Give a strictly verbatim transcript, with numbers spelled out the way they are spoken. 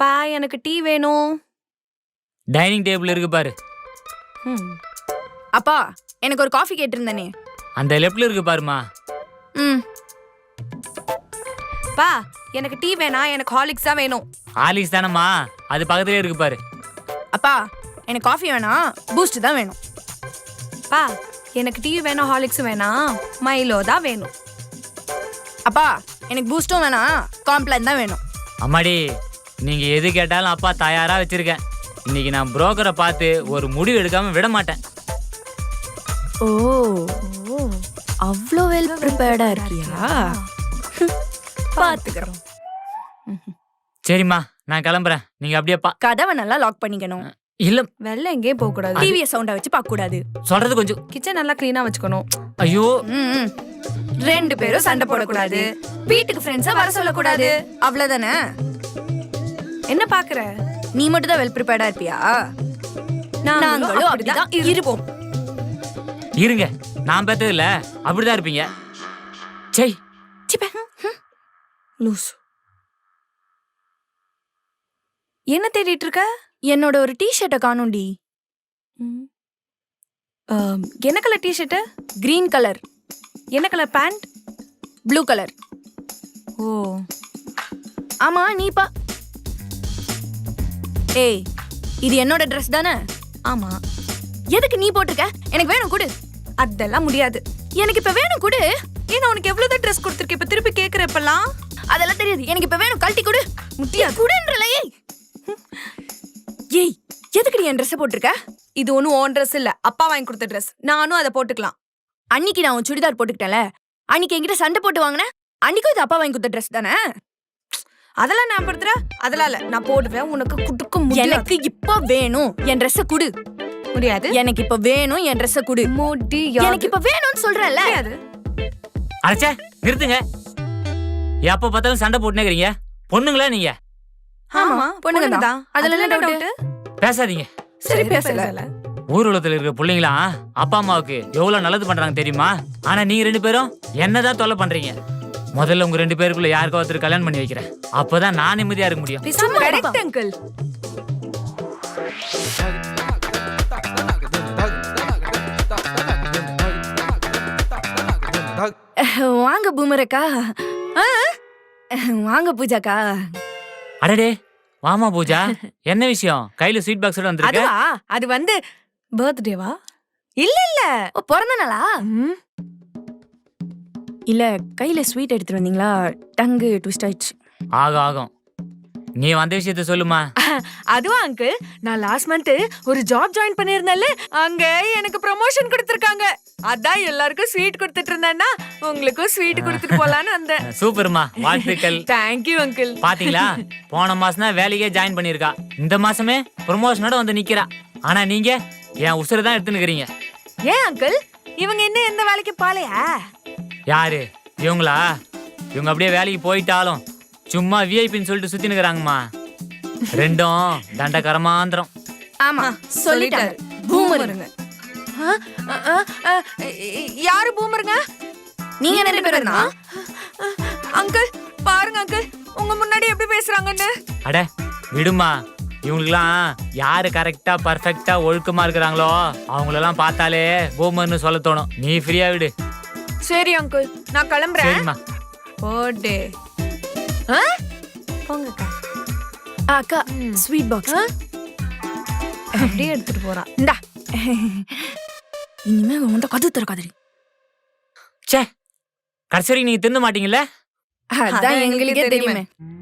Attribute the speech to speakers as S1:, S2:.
S1: அப்பா எனக்கு டீ வேணும்.
S2: டைனிங் டேபிள் இருக்கு பாரு.
S3: அப்பா எனக்கு ஒரு காஃபி கேட்டிருந்தனே.
S2: அந்த லெஃப்ட்ல இருக்கு பாருமா.
S3: ம்.
S1: பா எனக்கு டீ வேணா, எனக்கு ஹார்லிக்ஸ் தான் வேணும்.
S2: ஹார்லிக்ஸ் தானம்மா, அது பக்கத்துலயே இருக்கு பாரு.
S3: அப்பா எனக்கு காஃபி வேணாம், பூஸ்ட் தான் வேணும்.
S1: பா எனக்கு டீ வேணும், ஹார்லிக்ஸ் வேணாம், மைலோ தான் வேணும்.
S3: அப்பா எனக்கு பூஸ்டும் வேணாம், காம்ப்ளான் தான் வேணும்.
S2: அம்மாடி நீங்க எது கேட்டாலும் அப்பா தயாரா வச்சிருக்கேன். இன்னைக்கு நான் புரோக்கரை பார்த்து ஒரு முடிவு எடுக்காம விட மாட்டேன்.
S3: ஓ அவ்வளோ வெல் ப்ரிப்பேர்டா இருக்கியா? பாத்துக்கிறோம்.
S2: சரிம்மா நான் கிளம்புறேன், நீங்க அப்படியே பா.
S3: கதவை நல்லா லாக் பண்ணிக்கணும்.
S2: இல்ல
S1: வெளில எங்கேயும் போக கூடாது.
S3: டிவியை சவுண்டா வச்சு பார்க்க கூடாது.
S2: சொல்றது கொஞ்சம்.
S1: கிச்சன் நல்லா கிளீனா வச்சுக்கணும்.
S2: ஐயோ
S3: ம். ரெண்டு பேரும் சண்டை போடக்கூடாது, வீட்டுக்கு ஃப்ரெண்ட்ஸா வர சொல்லக்கூடாது, அவ்வளவுதானே?
S1: என்ன பாக்குற?
S3: நீ மட்டும் தான் வெல் ப்ரிப்பேர்டா இருப்பியா? நாங்களும் அப்படிதான் இருப்போம்.
S2: இருங்க, நான் பார்த்தது இல்ல, அப்படிதான் இருப்பீங்க. சை
S1: லூஸ். என்ன தேடிட்டு இருக்க?
S3: என்னோட ஒரு டி ஷர்ட்டை காணோண்டி.
S1: என்ன colour T shirt?
S3: Green colour.
S1: என்ன கலர் பேண்ட்?
S3: Blue colour.
S1: ஓ
S3: ஆமா நீ பா. ஏய் இது என்னோட ட்ரெஸ் தானே?
S1: ஆமா.
S3: எதுக்கு நீ போட்டிருக்க? எனக்கு வேணும் குடு.
S1: அதெல்லாம் முடியாது.
S3: எனக்கு இப்ப வேணும் குடு.
S1: ஏன்னா உனக்கு எவ்வளவுதான் ட்ரெஸ் கொடுத்துருக்க, இப்ப திருப்பி கேக்குற இப்பெல்லாம்?
S3: அதெல்லாம் தெரியாது, எனக்கு இப்ப வேணும், கழட்டி குடு.
S1: முட்டியா
S3: குடுன்றல. ஏய் ஏய் எதுக்கு நீ என் ட்ரெஸ் போட்டிருக்க?
S1: இது ஒன்னும் ஓன் ட்ரெஸ் இல்ல, அப்பா வாங்கி கொடுத்த ட்ரெஸ். நானும் அதை போட்டுக்கலாம்.
S3: அன்னைக்கு நான் உன் சுடிதார் போட்டுக்கிட்டேன்ல, அன்னைக்கு என்கிட்ட சண்டை போட்டு வாங்கினேன். அன்னைக்கும் இது அப்பா வாங்கி கொடுத்த ட்ரெஸ் தானே?
S1: அதெல்லாம் நான் படுத்துற, அதெல்லாம் இல்ல, நான் போடுவேன். உனக்கு குடுக்க முடியாது.
S3: எனக்கு இப்ப வேணும், என் ட்ரெஸ்ஸ குடு.
S1: முடியாது.
S3: எனக்கு இப்ப வேணும், என் ட்ரெஸ்ஸ குடு.
S1: முடியாது.
S3: எனக்கு இப்ப வேணும்னு சொல்றேன்ல.
S1: முடியாது.
S2: அடச்சே நிறுத்துங்க. எப்ப பார்த்தாலும் சண்டை போட்டுனே இருக்கீங்க. பொண்ணுங்களா நீங்க?
S1: ஆமா பொண்ணுங்க தான். அதுல என்ன டவுட்?
S2: பேசாதீங்க.
S1: சரி பேசல.
S2: ஊர் உலகத்துல இருக்கிற பிள்ளைங்களா அப்பா அம்மாவுக்கு எவ்வளவு நல்லது பண்றாங்க தெரியுமா? ஆனா நீங்க ரெண்டு பேரும் என்னதான் தொல்லை பண்றீங்க. முதல்ல உங்க ரெண்டு பேருக்குள்ள யாருக்கோ ஒருத்தர் கல்யாணம் பண்ணி வைக்கிறேன், அப்பதான் நான் நிம்மதியா இருக்க முடியும்.
S1: Correct uncle.
S3: வாங்க பூமரக்கா. வாங்க பூஜாக்கா.
S2: அடடே வாமா பூஜா, என்ன விஷயம்? கையில ஸ்வீட் பாக்ஸோட வந்திருக்க?
S1: அதுவா, அது வந்து பர்த்டேவா? இல்ல இல்ல,
S3: பிறந்த நாளா? இல்ல கையில ஸ்வீட் எடுத்துட்டு வந்தீங்களா? டங்கு ட்விஸ்ட் ஆயிடுச்சு.
S2: ஆகும் ஆகும், நீ வந்த விஷயத்த சொல்லுமா.
S1: அதுவா அங்கிள், நான் லாஸ்ட் மந்த் ஒரு ஜாப் ஜாயின் பண்ணிருந்தேன்ல, அங்க எனக்கு ப்ரமோஷன் கொடுத்திருக்காங்க. அதான் எல்லாருக்கும் ஸ்வீட் கொடுத்துட்டு இருந்தேன்னா உங்களுக்கும் ஸ்வீட் கொடுத்துட்டு போலான்னு வந்தேன்.
S2: சூப்பர்மா, வாழ்த்துக்கள்.
S1: Thank you uncle.
S2: பாத்தீங்களா, போன மாசம் தான் வேலைக்கே ஜாயின் பண்ணிருக்கா, இந்த மாசமே ப்ரமோஷனோட வந்து நிக்கிறா. ஆனா நீங்க என் உசுரை தான் எடுத்துனுக்கிறீங்க.
S1: ஏன் அங்கிள், இவங்க என்ன எந்த வேலைக்கு பாலையா?
S2: யாரு இவங்களா? இவங்க அப்படியே வேலைக்கு போயிட்டாலும் சும்மா விஐபின்னு சொல்லிட்டு சுத்தி நிக்கிறாங்கம்மா. ரெண்டும் தண்டகரமாந்திரம்.
S3: ஆமா சொல்லிட்டாரு, பூமருங்க.
S1: யாரு பூமருங்க?
S3: நீங்க ரெண்டு பேரும் தான்.
S1: அங்கிள் பாருங்க அங்கிள், உங்க முன்னாடி எப்படி பேசுறாங்கன்னு.
S2: அட விடுமா, இவங்களுக்குலாம் யாரு கரெக்டா பர்ஃபெக்டா ஒழுக்கமா இருக்கிறாங்களோ அவங்களெல்லாம் பார்த்தாலே பூமர்னு சொல்ல தோணும். நீ ஃப்ரீயா விடு.
S1: சரி அங்கிள், நான் கிளம்புறேன்.
S2: சரிம்மா.
S1: போடே போங்கக்கா.
S3: அக்கா ஸ்வீட் பாக்ஸ்
S1: அப்படியே எடுத்துட்டு போறான்.
S3: இந்தா. இனிமே உன்கிட்ட கது திறக்காதடி.
S2: சே, கடைசி வரைக்கும் நீங்க தின்ன மாட்டீங்கல்ல?
S3: அதான் எங்களுக்கே தெரியுமே.